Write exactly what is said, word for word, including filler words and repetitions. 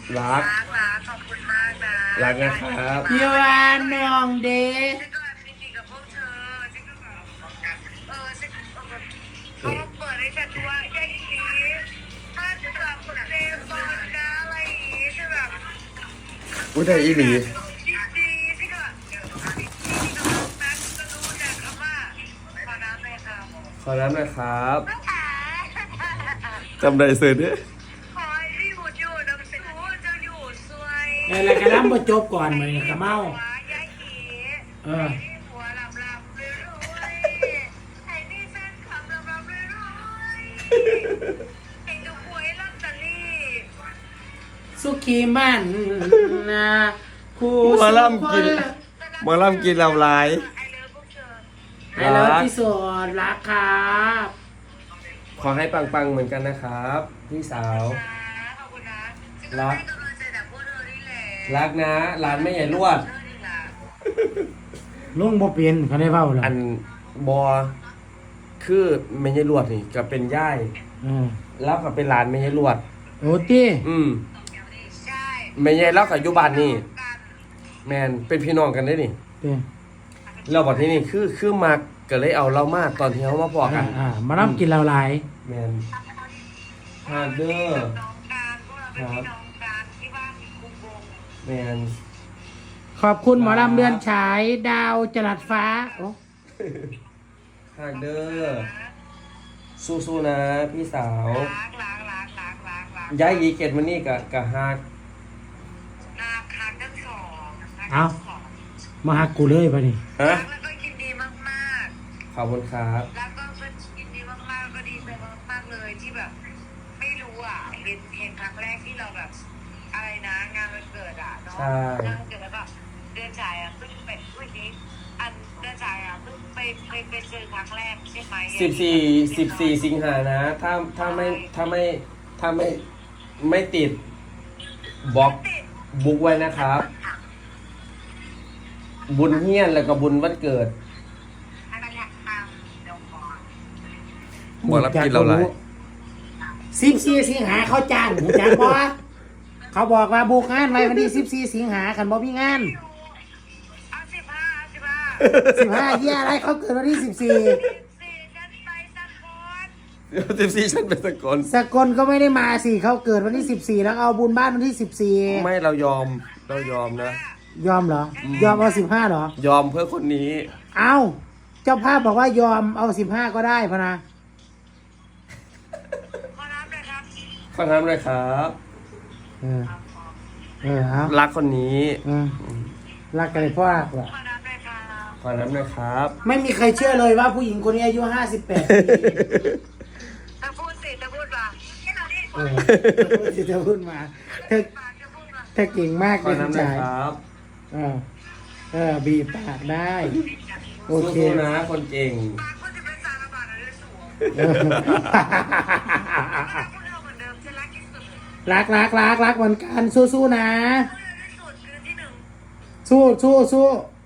รักรักขอบคุณมากนะรักนะครับพี่วานน้องเดชฉันก็แบบยินดีกับพวกเธอฉันก็แบบเออฉันเขาเปิดให้ฉันดูว่าแค่นี้ถ้าจะแบบคนเล่นบอลนะอะไรอย่างงี้ใช่แบบอุ้ยได้อีหลีดีดีที่ก็ที่ก็นักก็รู้จักคำว่าขอน้ำเลยค่ะขอน้ำหน่อยครับจำได้เสร็จเนี่ยขอให้พี่อยู่อยู่น้ำสิวจะอยู่สวยไอ้อะไรกันล้ำมาจบก่อนไหมกระเมาเออหัวลำลำเลยรวยให้นี่แฟนคลับลำลำเลยรวยให้ดูหวยลอตเตอรี่สุขีมันนะผู้หมาล่ำกินหมาล่ำกินลำลายไอเลิฟพวกเธอไอ้เลิฟที่สุดรักครับขอให้ปังๆเหมือนกันนะครับพี่สาวนะขอบคุณนะรักกำลังใจแต่พวกเธอนี่แหละรักนะร้านไม่ใหญ่ลวดเธอนี่แหละลุงบ่เปลี่ยนเขาได้เบ้าหรออันบอคือไม่ใช่ลวดนี่ก็เป็นย่ายอืมแล้วก็เป็นร้านไม่ใช่ลวดโอ้ตี้อืมใช่ไม่ใช่แล้วกับยุบานนี่แมนเป็นพี่น้องกันได้นี่เตี้ยเราบอกที่นี่คือคือมาก็เลยเอาเรามาตอนที่เขามาพอกัอ่าน อ่ามาล่ำกินเราหลายแมนฮาเดอร์น้องการพวกเราเป็นพี่น้องการที่บ้านคุมวงแมนขอบคุณหมอลำเดือนฉายดาวจรัสฟ้าโอ้ฮาเดอร์สู้ๆนะพี่สาวล้างล้างล้างล้างล้างล้างย้ายยีเกตมานี่กับกับฮากนาคาทั้งสองเอามาหากูเลยปะนี่ฮะแล้วก็ยินดีมากขอบคุณครับๆแล้วก็ยินดีมากๆแล้วก็ดีใจมากๆเลยที่แบบ ไม่รู้อ่ะเห็นเห็นครั้งแรกที่เราแบบ อะไรนะงานวันเกิดอ่ะเนาะงานวันเกิดแล้วก็เดือนจ่ายอ่ะเพิ่งเป็นวันนี้อันเดือนจ่ายอ่ะเพิ่งไปไปไปเจอครั้งแรกใช่ไหมสิบสี่สิบสี่สิงหานะ ถ้าถ้าไม่ถ้าไม่ถ้าไม่ไม่ติดบล็อกบุ๊กไว้นะครับ บุญเฮียนแล้วก็บุญวันเกิดอันนั้นแหละตามเดี๋ยวก่อนหมอรับกินเราหลายสิบสี่สิงหาเขาจ้างหูจักบ่เขาบอกว่าบุกงานไว้วันที่สิบสี่สิงหาคันบ่มีงานเอาสิบห้าเอาสิบห้าสิบห้าเยี่ยอะไรเขาเกิดวันที่สิบสี่สี่ฉันไปสักคนเดี๋ยวสิบสี่ฉันเป็นสกลสกลก็ไม่ได้มาสิเขาเกิดวันที่สิบสี่แล้วเอาบุญบ้านวันที่สิบสี่ไม่เรายอมเรายอมนะยอมเหรอ ยอมเอาสิบห้าเหรอยอมเพื่อคนนี้เอาเจ้าภาพบอกว่ายอมเอาสิบห้าก็ได้พะนะขอรับเลยครับขอน้ำเลยครับเออเออเอารักคนนี้เออรักกันเลยพ่อรักเหรอขอรับเลยครับขอน้ำเลยครับไม่มีใครเชื่อเลยว่าผู้หญิงคนนี้อายุห้าสิบแปดปีถ้าพูดสิถ้าพูดว่าแค่เราได้เออที่เธอพูดมาเธอปากจะพูดว่าเธอเก่งมากขอเลยน้ำเลยจ่ายครับเออเออบีบปากได้ โอเคสู้ๆนะคนเก่งปากก็จะเป็นสารบาดอะไรสูงเออพวกเราเหมือนเดิมฉันรักที่สุดรักรักรักรักเหมือนกันสู้ๆนะพวกเราที่สุดคือที่หนึ่งสู้สู้สู้พ